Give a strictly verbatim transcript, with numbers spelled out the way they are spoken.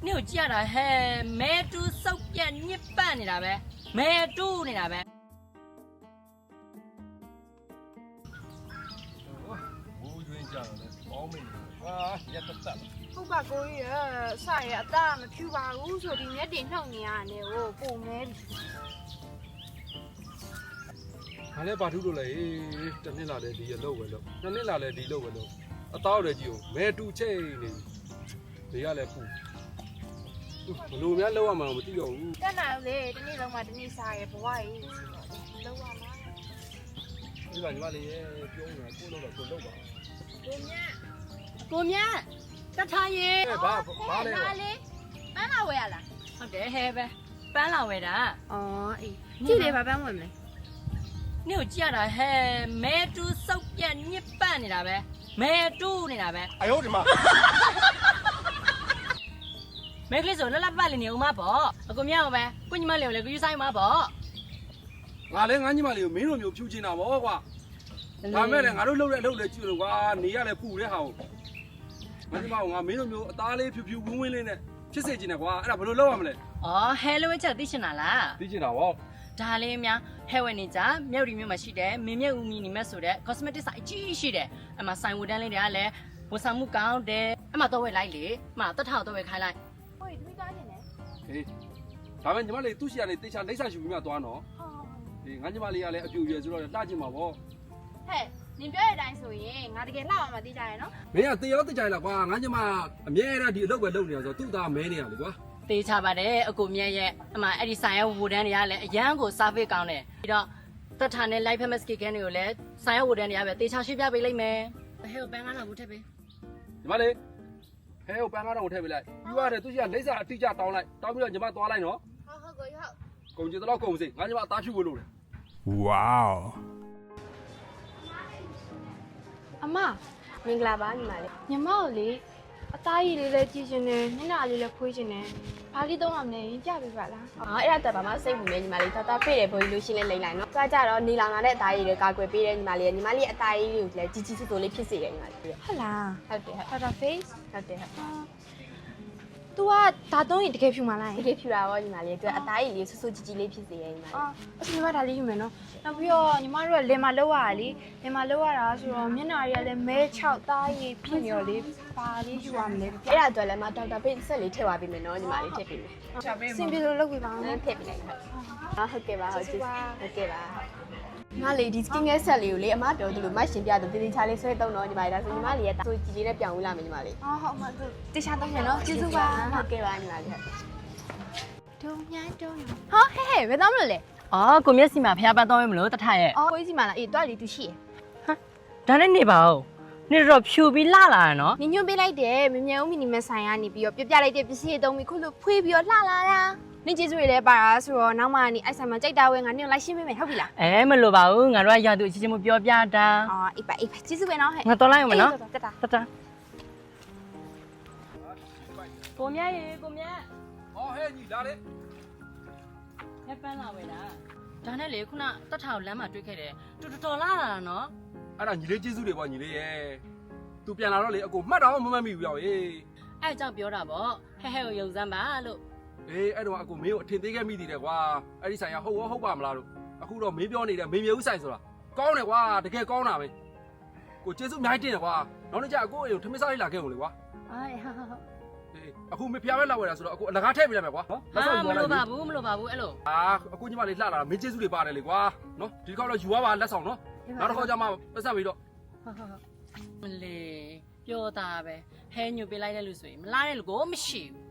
你有见了嘿？买猪手边你办的了呗？买猪的了呗？ 我觉得这样的好美啊，也得得。 ဟုတ်ပါကိုကြီးရစရအသားမဖြူပါဘူးဆိုဒီမျက်တင်နှုတ်နေရတယ်ဟိုပုံမဲပြီ။ဒါလည်းဘာထူးလို့လဲ။တစ်နှစ်လာတဲ့ဒီရလောက်ပဲလို့။နှစ်နှစ်လာတဲ့ဒီလောက်ပဲလို့။အသားတွေကြီးကိုမဲတူချိတ်နေ။ဒီကလည်းပူ။ဘလို့များလောက်ရမှာမသိတော့ဘူးတက်လာလေဒီနေ့လုံးမှဒီနေ့စားရဘဝကြီးလောက်ရမှာ။ဒီကညီမလေးရဲ့ပြောနေတာကိုလောက်တော့ကိုလောက်ပါကိုမြတ်ကိုမြတ်တထားရေ။အဲဘာဘာလဲလာလေပန်းလာဝယ်ရလားဟုတ်တယ်ဟဲပဲပန်းလာဝဲတာอ๋อအေးကြည့်လေဘာပန်းဝင်မလဲ你有见了嘿？买猪手边你办的了呗？买猪的了呗？ ။哎呦我的妈！ 买个时候那那办的牛马包，我讲咩呗？过你们聊了个有啥马包？ ငါလည်းငါညီမလေးကိုမင်းတို့မျိုးဖြူချင်တာဗောကွာ။ဒါမဲ့လည်းငါတို့လှုပ်တဲ့အလုပ်လည်းကြည့်လို့ကွာ။နေရလည်းပူတဲ့ဟာကိုငါညီမကငါမင်းတို့မျိုးအသားလေးဖြူဖြူဝင်းဝင်းလေးနဲ့ဖြစ်စေချင်တယ်ကွာ။အဲ့ဒါဘယ်လိုလုပ်ရမလဲ哦，海了我这对起哪啦？ ။သိချင်တာဗောဒါလေးများဟဲဝဲနေကြမြောက်ဒီမြို့မှာရှိတယ်မင်းမြတ်ဦးမီနေမဲ့ဆိုတဲ့ cosmetic ဆိုင်အကြီးရှိတယ်အမဆိုင်ဝတ်တန်းလေးတွေကလည်းဝန်ဆောင်မှုကောင်းတယ်အမတော့ဝဲလိုက်လေအမတက်ထောက်တော့ဝဲခိုင်းလိုက်ဟိုဒီမိသားနေတယ်။ဟေးဒါမဲ့ညီမလေးသူ့ရှိရနေတေချာလိမ့်စာယူပြီးမှသွားနော်ဟော။ဒီငါညီမလေးကလည်းအပြူရွယ်ဆိုတော့လှချင်မှာဗောဟဲ့နင်ပြောတဲ့အတိုင်းဆိုရင်ငါတကယ်လှအောင်မသိကြရနော်။မင်းကတေရောတေချာလားကွာ။ငါညီမအမြဲတမ်းဒီအလုပ်ပဲလုပ်နေတာဆိုတော့သူ့သားမဲနေရလေကွာတေးချပါတယ်အကိုမြတ်ရဲ့အမအဲ့ဒီဆိုင်ရဲ့ဝတ်တန်းတွေကလည်းအရန်ကို service ကောင်းတယ်ပြီးတော့တက်ထာနဲ့ live famous cake တွေကိုလည်းဆိုင်ရဲ့ဝတ်တန်းတွေကပဲတေးချရှင်းပြပေးလိုက်မယ်ဟဲ့ဘန်းကတော့ဘူးထက်ပေး။ညီမလေးဟဲဟိုပန်းကားတော့ထည့်ပေးလိုက်။ပြီးရတယ်သူ့ရှိရလိမ့်စာအတိအကျတောင်းလိုက်။တောင်းပြီးတော့ညီမသွားလိုက်နော်ဟုတ်ဟုတ်ကိုကြီးဟုတ်။ကုန်ကြတော့ကုန်စိငါညီမအသားဖြူဖို့လုပ်တယ် Wow. အမမင်္ဂလာပါညီမလေးညီမတို့လေအသားရည်လေးလည်းကြည့်ရှင်တယ်မျက်နှာလေးလည်းဖွေးရှင်တယ်ဘာလေးသုံးရမလဲရင်ပြပေးပါလားอ๋อအဲ့ဒါတက်ပါမစိတ်ဘူးလေညီမလေးတော်တော်ဖေ့တယ်ဘိုးကြီးလို့ရှင်းလဲလိမ့်လိုက်နော်ကြာကြတော့နေလောင်လာတဲ့အသားရည်တွေကာကွယ်ပေးတယ်ညီမလေးညီမလေးအသားရည်တွေကိုလည်းကြီးကြီးစိုးစိုးလေးဖြစ်စေတယ်ညီမလေးဟုတ်ဟုတ်လားတယ်ဟုတ် Powder face ဟုတ်တယ်ဟုတ် तू ကဒါသုံးရင်တကယ်ဖြူမလားတကယ်ဖြူတာရောညီမလေးသူကအသားရည်လေးဆူဆူကြီးကြီးလေးဖြစ်စေတယ်ညီမလေးအော်အစညီမဒါလေးယူမယ်နော်နောက်ပြီးတော့ညီမတို့ကလင်မလောက်ရတာလေလင်မလောက်ရတာဆိုတော့မျက်နှာတွေကလည်းမဲချောက်သားရည်ဖြစ်နေရောလေပါလေးယူရမလဲအဲ့ဒါအတွက်လည်းမဒေါက်တာဖေ့ဆက်လေးထည့်သွားပေးမယ်နော်ညီမလေးထည့်ပေးမယ်စင်ပြေလို့လုပ်ပေးပါဦးအဲ့နော်ထည့်ပေးလိုက်ဟုတ်အော်ဟုတ်ကဲ့ပါဟုတ်ကျေးဇူးဟုတ်ကဲ့ပါညီမလေးဒီ skin care set လေးကိုလေအမပြောသလိုမရှင်ပြတော့တည်တည်ချာလေးဆွဲသုံးတော့ညီမလေးဒါဆိုညီမလေးရဲ့ဆိုကြီးကြီးနဲ့ပြောင်းဝင်လာမယ်ညီမလေးအော်ဟုတ်မှသူတခြားသုံးမယ်နော်ကျေးဇူးပါဟုတ်ကဲ့ပါညီမလေးဒုံညာဒုံညာဟောဟဲ့ဟဲ့ဘယ်တော့မလို့လဲအော်ကိုမြတ်စီမှာဖျားပတ်တော့မလို့တထရဲ့အော်ကိုကြီးစီမလားအေးတွားလေးသူရှိရဒါနဲ့နေပါဦးနေတော့ဖြူပြီးလှလာရနော်ညညွှန်ပေးလိုက်တယ်မမြဲဦးမီနီမဆိုင်ကနေပြီးတော့ပြပြလိုက်တဲ့ပစ္စည်းတွေသုံးပြီးခုလိုဖွေးပြီးတော့လှလာတာနင်ကျေးဇူးတွေလည်းပါတာဆိုတော့နောက်မှနေအိုက်ဆိုင်မှာကြိုက်တာဝဲငါနင်ကိုလိုက်ရှင်းပေးမယ်ဟုတ်ပြီလားအဲမလို့ပါဘူးငါတို့ကရာသူအချင်းချင်းမပြောပြတာအော်အေးပါအေးပါကျေးဇူးပဲနော်ဟဲ့ငါတော်လိုက်အောင်မနော်တက်တာတတကိုမြတ်ရေကိုမြတ်။ဟောဟဲညီလာလေဟဲ့ပန်းလာဝဲတာဒါနဲ့လေခုနတက်ထောက်လမ်းမှာတွေ့ခဲ့တယ်တူတော်တော်လာလာတာနော်။အဲ့ဒါညီလေးကျေးဇူးတွေပေါ့ညီလေးရဲ့။ तू ပြန်လာတော့လေအကိုမှတ်တော့မမှတ်မိဘူးရောဟေးအဲ့ကြောင့်ပြောတာဗောဟဲ့ဟဲ့ကိုယုံစမ်းပါလို့။အေးအဲ့တော့အကိုမင်းကိုအထင်သေးခဲ့မိသေးတယ်ကွာ။အဲ့ဒီဆိုင်ကဟုတ်ရောဟုတ်ပါမလားလို့။အခုတော့မင်းပြောနေတဲ့မင်းမြဲဦးဆိုင်ဆိုတာကောင်းတယ်ကွာတကယ်ကောင်းတာပဲ။ကိုကျေးဇူးအများကြီးတင်တယ်ကွာ။နောက်နေ့ကျအကိုအိမ်ကိုထမင်းစားလေးလာခဲ့အောင်လေကွာအေးဟာဟာဟာ။အေးအခုမဖျားပဲလာဝယ်တာဆိုတော့အကိုအလကားထည့်ပေးလိုက်မယ်ကွာနော်။ဟာမလို့ပါဘူးမလို့ပါဘူးအဲ့လိုအာအကိုညီမလေးလှလာတာမင်းကျေးဇူးတွေပါတယ်လေကွာနော်ဒီတစ်ခေါက်တော့ယူသွားပါလက်ဆောင်နော်နောက်တစ်ခေါက်ကျမှပတ်ဆက်ပြီးတော့ဟာဟာမလေးပြောတာပဲဟဲညွတ်ပေးလိုက်တဲ့လူဆိုရင်မလားတဲ့လူကိုမရှိဘူး